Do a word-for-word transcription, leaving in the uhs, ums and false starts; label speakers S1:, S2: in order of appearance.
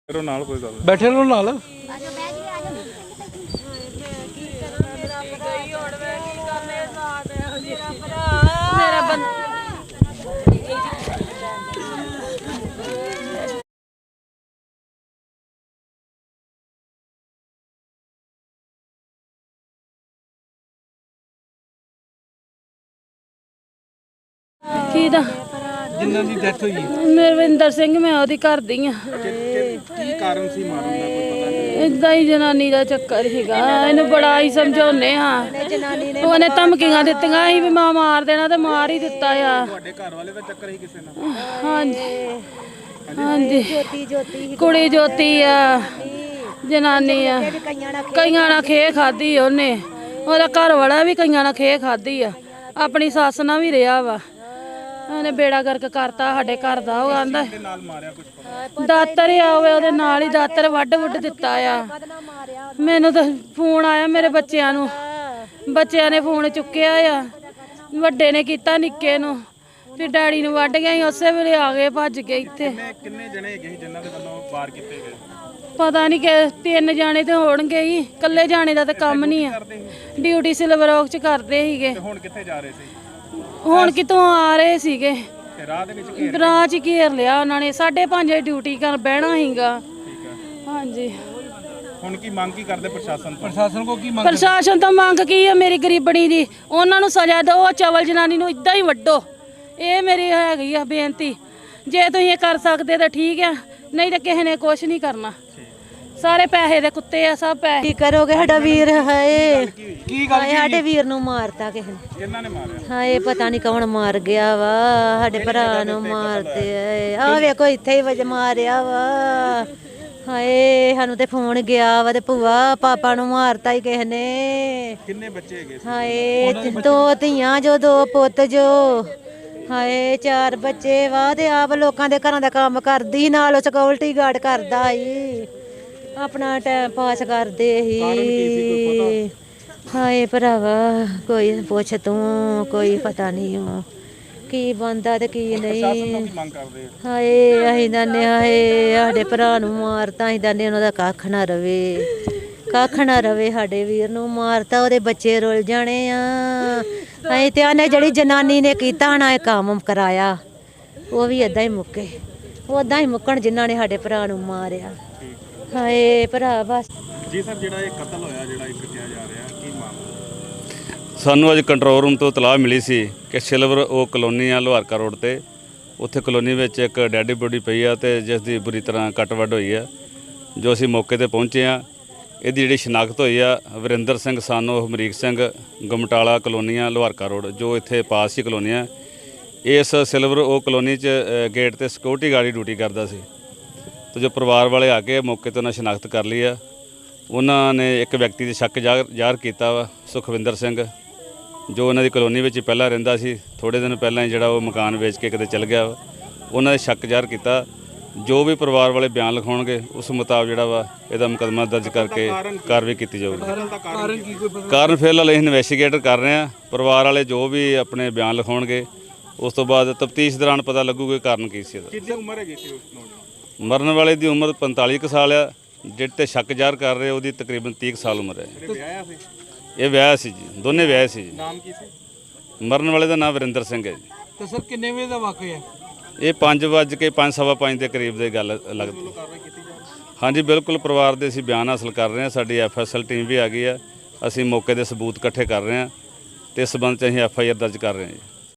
S1: नाल कोई गल
S2: बैठे रहो नाल
S3: मेरा बंदा ਕਿਹਦਾ
S2: ਜਿਨ੍ਹਾਂ ਦੀ ਡੈਥ ਹੋਈ
S3: ਮਰਵਿੰਦਰ ਸਿੰਘ ਮੈਂ ਉਹਦੀ ਘਰ ਦੀ ਆ
S1: ਕੀ ਕਾਰਨ ਸੀ ਮਾਰਨ ਦਾ ਕੋਈ ਪਤਾ ਨਹੀਂ
S3: ਇਦਾਂ ਹੀ ਜਨਾਨੀ ਦਾ ਚੱਕਰ ਸੀਗਾ ਇਹਨੂੰ ਬੜਾ ਹੀ ਸਮਝਾਉਨੇ ਹਾਂ ਉਹਨੇ ਧਮਕੀਆਂ ਦਿੱਤੀਆਂ ਸੀ ਵੀ ਮਾਂ ਮਾਰ ਦੇਣਾ ਤੇ ਮਾਰ ਹੀ ਦਿੱਤਾ ਆ
S1: ਤੁਹਾਡੇ ਘਰ ਵਾਲੇ ਦਾ ਚੱਕਰ ਹੀ ਕਿਸੇ ਨਾਲ
S3: ਹਾਂਜੀ ਹਾਂਜੀ ਜੋਤੀ ਜੋਤੀ ਕੁੜੀ ਜੋਤੀ ਆ ਜਨਾਨੀ ਆ ਕਈਆਂ ਨਾਲ ਖੇ ਖਾਦੀ ਉਹਨੇ ਉਹਦਾ ਘਰ ਵਾਲਾ ਵੀ ਕਈਆਂ ਨਾਲ ਖੇ ਖਾਦੀ ਆ ਆਪਣੀ ਸੱਸ ਨਾਲ ਵੀ ਰਿਹਾ ਵਾ ਉਹਨੇ ਬੇੜਾ ਗਰਕ ਕਰਤਾ ਸਾਡੇ ਘਰ ਦਾ ਉਹ ਆਂਦਾ ਦਾਤਰ ਆ ਹੋਵੇ ਉਹਦੇ ਨਾਲ ਹੀ ਦਾਤਰ ਵੱਢ ਵੁੱਢ ਦਿੱਤਾ ਆ ਮੈਨੂੰ ਤਾਂ ਫੋਨ ਆਇਆ ਮੇਰੇ ਬੱਚਿਆਂ ਨੂੰ ਬੱਚਿਆਂ ਨੇ ਫੋਨ ਚੁੱਕਿਆ ਆ ਵੱਡੇ ਨੇ ਕੀਤਾ ਨਿੱਕੇ ਨੂੰ ਫਿਰ ਡੈਡੀ ਨੂੰ ਵੱਢ ਗਿਆ ਸੀ ਉਸੇ ਵੇਲੇ ਆ ਗਏ ਭੱਜ ਕੇ ਇੱਥੇ
S1: ਕਿੰਨੇ ਜਣੇ ਹੈਗੇ ਸੀ ਜਿਨ੍ਹਾਂ ਦੇ ਵੱਲੋਂ ਵਾਰ ਕੀਤੇ ਗਏ
S3: ਪਤਾ ਨਹੀਂ ਕਿ ਤਿੰਨ ਜਾਣੇ ਤੇ ਹੋਣਗੇ ਹੀ ਇਕੱਲੇ ਜਾਣੇ ਦਾ ਤਾਂ ਕੰਮ ਨਹੀਂ ਆ ਡਿਊਟੀ ਸਿਲਵਰ ਔਕ ਚ ਕਰਦੇ ਸੀਗੇ
S1: ਹੁਣ ਕਿੱਥੇ ਜਾ ਰਹੇ ਸੀ
S3: ਹੁਣ ਕਿਤੋਂ ਆ ਰਹੇ ਸੀਗੇ
S1: ਤੇ ਰਾਹ ਦੇ ਵਿੱਚ ਘੇਰ
S3: ਰਾਹ 'ਚ ਘੇਰ ਲਿਆ ਉਹਨਾਂ ਨੇ ਸਾਢੇ ਪੰਜ ਵਜੇ ਡਿਊਟੀ ਕਰ ਬਹਿਣਾ ਸੀਗਾ
S1: ਠੀਕ ਹੈ
S3: ਹਾਂਜੀ
S1: ਹੁਣ ਕੀ ਮੰਗ ਕੀ ਕਰਦੇ ਪ੍ਰਸ਼ਾਸਨ ਤੋਂ
S2: ਪ੍ਰਸ਼ਾਸਨ ਕੋ ਕੀ ਮੰਗ
S3: ਪ੍ਰਸ਼ਾਸਨ ਤੋਂ ਮੰਗ ਕੀ ਹੈ ਮੇਰੀ ਗਰੀਬਣੀ ਦੀ ਉਹਨਾਂ ਨੂੰ ਸਜ਼ਾ ਦਿਓ ਚਵਲ ਜਨਾਨੀ ਨੂੰ ਇਦਾਂ ਹੀ ਵੱਢੋ ਇਹ ਮੇਰੀ ਹੈਗੀ ਆ ਬੇਨਤੀ ਜੇ ਤੁਸੀਂ ਇਹ ਕਰ ਸਕਦੇ ਤਾਂ ਠੀਕ ਆ ਨਹੀਂ ਤਾਂ ਕਿਸੇ ਨੇ ਕੁਝ ਨਹੀਂ ਕਰਨਾ ਸਾਰੇ ਪੈਸੇ ਦੇ ਕੁੱਤੇ ਆ ਸਭ ਪੈਸੇ
S4: ਕੀ ਕਰੋਗੇ ਸਾਡਾ ਵੀਰ ਹਾਏ
S2: ਕੀ ਗੱਲ
S4: ਸਾਡੇ ਵੀਰ ਨੂੰ ਮਾਰਤਾ ਕਿਸੇ ਨੇ
S1: ਕਿਹਨਾਂ ਨੇ ਮਾਰਿਆ
S4: ਹਾਏ ਪਤਾ ਨਹੀਂ ਕੌਣ ਮਾਰ ਗਿਆ ਵਾ ਸਾਡੇ ਭਰਾ ਨੂੰ ਮਾਰਦੇ ਆ ਵੇਖੋ ਇੱਥੇ ਹੀ ਵਜ ਮਾਰਿਆ ਵਾ ਹਾਏ ਸਾਨੂੰ ਤੇ ਫੋਨ ਗਿਆ ਵਾ ਤੇ ਭੂਆ ਪਾਪਾ ਨੂੰ ਮਾਰਤਾ ਹੀ ਕਿਸੇ ਨੇ
S1: ਕਿੰਨੇ ਬੱਚੇ ਹੈਗੇ ਸੀ
S4: ਹਾਏ ਦੋ ਧੀਆਂ ਜੋ ਦੋ ਪੁੱਤ ਜੋ ਹਾਏ ਚਾਰ ਬੱਚੇ ਵਾ ਤੇ ਆਪ ਲੋਕਾਂ ਦੇ ਘਰਾਂ ਦਾ ਕੰਮ ਕਰਦੀ ਨਾਲ ਸਿਕਿਉਰਿਟੀ ਗਾਰਡ ਕਰਦਾ ਈ ਆਪਣਾ ਟਾਈਮ ਪਾਸ ਕਰਦੇ ਹੀ ਹਾਏ ਭਰਾਵਾ ਕੋਈ ਪੁੱਛ ਤੂੰ ਕੋਈ ਪਤਾ ਨਹੀਂ ਉਹ ਕੀ ਬੰਦਾ ਤੇ ਕੀ ਨਹੀਂ
S1: ਮੰਗ ਕਰਦੇ
S4: ਹਾਏ ਅਸੀਂ ਦਾਨੇ ਹਾਏ ਸਾਡੇ ਭਰਾ ਨੂੰ ਮਾਰਤਾ ਅਸੀਂ ਦਾਨੇ ਉਹਨਾਂ ਦਾ ਕੱਖ ਨਾ ਰਵੇ ਕੱਖ ਨਾ ਰਵੇ ਸਾਡੇ ਵੀਰ ਨੂੰ ਮਾਰਤਾ ਉਹਦੇ ਬੱਚੇ ਰੁੱਲ ਜਾਣੇ ਆ ਅਸੀਂ ਤੇ ਆਨੇ ਜਿਹੜੀ ਜਨਾਨੀ ਨੇ ਕੀਤਾ ਨਾ ਇਹ ਕੰਮ ਕਰਾਇਆ ਉਹ ਵੀ ਏਦਾਂ ਹੀ ਮੁੱਕੇ ਉਦਾਂ ਹੀ ਮੁੱਕਣ ਜਿਨ੍ਹਾਂ ਨੇ ਸਾਡੇ ਭਰਾ ਨੂੰ ਮਾਰਿਆ ਹਾਏ ਭਰਾ ਬਸ
S1: ਜੀ ਸਰ ਜਿਹੜਾ ਇਹ ਕਤਲ ਹੋਇਆ ਜਿਹੜਾ ਇੱਕ ਕਿਹਾ ਜਾ ਰਿਹਾ ਕੀ ਮਾਮਲਾ
S5: ਸਾਨੂੰ ਅੱਜ ਕੰਟਰੋਲ ਰੂਮ ਤੋਂ ਇਤਲਾਹ ਮਿਲੀ ਸੀ ਕਿ ਸਿਲਵਰ ਉਹ ਕਲੋਨੀ ਆ ਲੋਹਾਰਕਾ ਰੋਡ ਤੇ ਉੱਥੇ ਕਲੋਨੀ ਵਿੱਚ ਇੱਕ ਡੈਡੀ ਬੋਡੀ ਪਈ ਆ ਤੇ ਜਿਸ ਦੀ ਬੁਰੀ ਤਰ੍ਹਾਂ ਕੱਟ ਵੱਢ ਹੋਈ ਆ ਜੋ ਅਸੀਂ ਮੌਕੇ ਤੇ ਪਹੁੰਚੇ ਆ ਇਹਦੀ ਜਿਹੜੀ ਸ਼ਨਾਖਤ ਹੋਈ ਆ ਵਰਿੰਦਰ ਸਿੰਘ ਸਾਨੋ ਹਮਰੀਕ ਸਿੰਘ ਗਮਟਾਲਾ ਕਲੋਨੀ ਆ ਲੋਹਾਰਕਾ ਰੋਡ ਜੋ ਇੱਥੇ ਪਾਸ ਹੀ ਕਲੋਨੀ ਆ ਇਸ ਸਿਲਵਰ ਉਹ ਕਲੋਨੀ 'ਚ ਗੇਟ ਤੇ ਸਿਕਿਉਰਿਟੀ ਗਾਰਡ ਡਿਊਟੀ ਕਰਦਾ ਸੀ ਤੇ ਜੋ ਪਰਿਵਾਰ ਵਾਲੇ ਆ ਕੇ ਮੌਕੇ ਤੇ ਉਹਨਾਂ ਸ਼ਨਾਖਤ ਕਰ ਲਈ ਆ ਉਹਨਾਂ ਨੇ ਇੱਕ ਵਿਅਕਤੀ ਦੇ ਸ਼ੱਕ ਜ਼ਾਹਰ ਕੀਤਾ ਵਾ ਸੁਖਵਿੰਦਰ ਸਿੰਘ ਜੋ ਉਹਨਾਂ ਦੀ ਕਲੋਨੀ ਵਿੱਚ ਪਹਿਲਾਂ ਰਹਿੰਦਾ ਸੀ ਥੋੜ੍ਹੇ ਦਿਨ ਪਹਿਲਾਂ ਹੀ ਜਿਹੜਾ ਉਹ ਮਕਾਨ ਵੇਚ ਕੇ ਕਿਤੇ ਚਲ ਗਿਆ ਵਾ ਉਹਨਾਂ ਦੇ ਸ਼ੱਕ ਜ਼ਾਹਰ ਕੀਤਾ ਜੋ ਵੀ ਪਰਿਵਾਰ ਵਾਲੇ ਬਿਆਨ ਲਿਖਾਉਣਗੇ ਉਸ ਮੁਤਾਬਕ ਜਿਹੜਾ ਵਾ ਇਹਦਾ ਮੁਕੱਦਮਾ ਦਰਜ ਕਰਕੇ ਕਾਰਵਾਈ ਕੀਤੀ ਜਾਊਗੀ ਕਾਰਨ ਫਿਲਹਾਲ ਅਸੀਂ ਇਨਵੈਸਟੀਗੇਟ ਕਰ ਰਹੇ ਹਾਂ ਪਰਿਵਾਰ ਵਾਲੇ ਜੋ ਵੀ ਆਪਣੇ ਬਿਆਨ ਲਿਖਾਉਣਗੇ ਉਸ ਤੋਂ ਬਾਅਦ ਤਫਤੀਸ਼ ਦੌਰਾਨ ਪਤਾ ਲੱਗੂਗਾ ਕਾਰਨ ਕੀ ਸੀ ਇਹਦਾ
S1: ਕਿੰਨੀ ਉਮਰ ਹੈਗੀ ਸੀ ਉਸ ਨੌਜਵਾਨ
S5: ਮਰਨ ਵਾਲੇ ਦੀ ਉਮਰ ਪੰਤਾਲੀ ਕੁ ਸਾਲ ਆ ਜਿਹੜੇ ਤੇ ਸ਼ੱਕ ਜ਼ਾਹਰ ਕਰ ਰਹੇ ਉਹਦੀ ਤਕਰੀਬਨ ਤੀਹ ਕੁ ਸਾਲ ਉਮਰ ਹੈ
S1: ਵਿਆਹਿਆ ਸੀ
S5: ਇਹ ਵਿਆਹ ਸੀ ਜੀ ਦੋਨੇ ਵਿਆਹ ਸੀ ਜੀ
S1: ਨਾਮ ਕੀ ਸੀ
S5: ਮਰਨ ਵਾਲੇ ਦਾ ਨਾਮ ਵਰਿੰਦਰ ਸਿੰਘ ਹੈ ਜੀ
S2: ਤੇ ਸਰ ਕਿੰਨੇ ਵਜੇ ਦਾ ਵਾਕਿਆ ਹੈ
S5: ਇਹ ਪੰਜ ਵੱਜ ਕੇ ਪੰਜ ਸਵਾ ਪੰਜ ਦੇ ਕਰੀਬ ਦੀ ਗੱਲ ਲੱਗਦੀ ਹਾਂਜੀ ਬਿਲਕੁਲ ਪਰਿਵਾਰ ਦੇ ਅਸੀਂ ਬਿਆਨ ਹਾਸਲ ਕਰ ਰਹੇ ਹਾਂ ਸਾਡੀ ਐਫ ਐਸ ਐਲ ਟੀਮ ਵੀ ਆ ਗਈ ਆ ਅਸੀਂ ਮੌਕੇ ਦੇ ਸਬੂਤ ਇਕੱਠੇ ਕਰ ਰਹੇ ਹਾਂ ਤੇ ਇਸ ਸੰਬੰਧ 'ਚ ਅਸੀਂ ਐਫ ਆਈ ਆਰ ਦਰਜ ਕਰ ਰਹੇ ਹਾਂ ਜੀ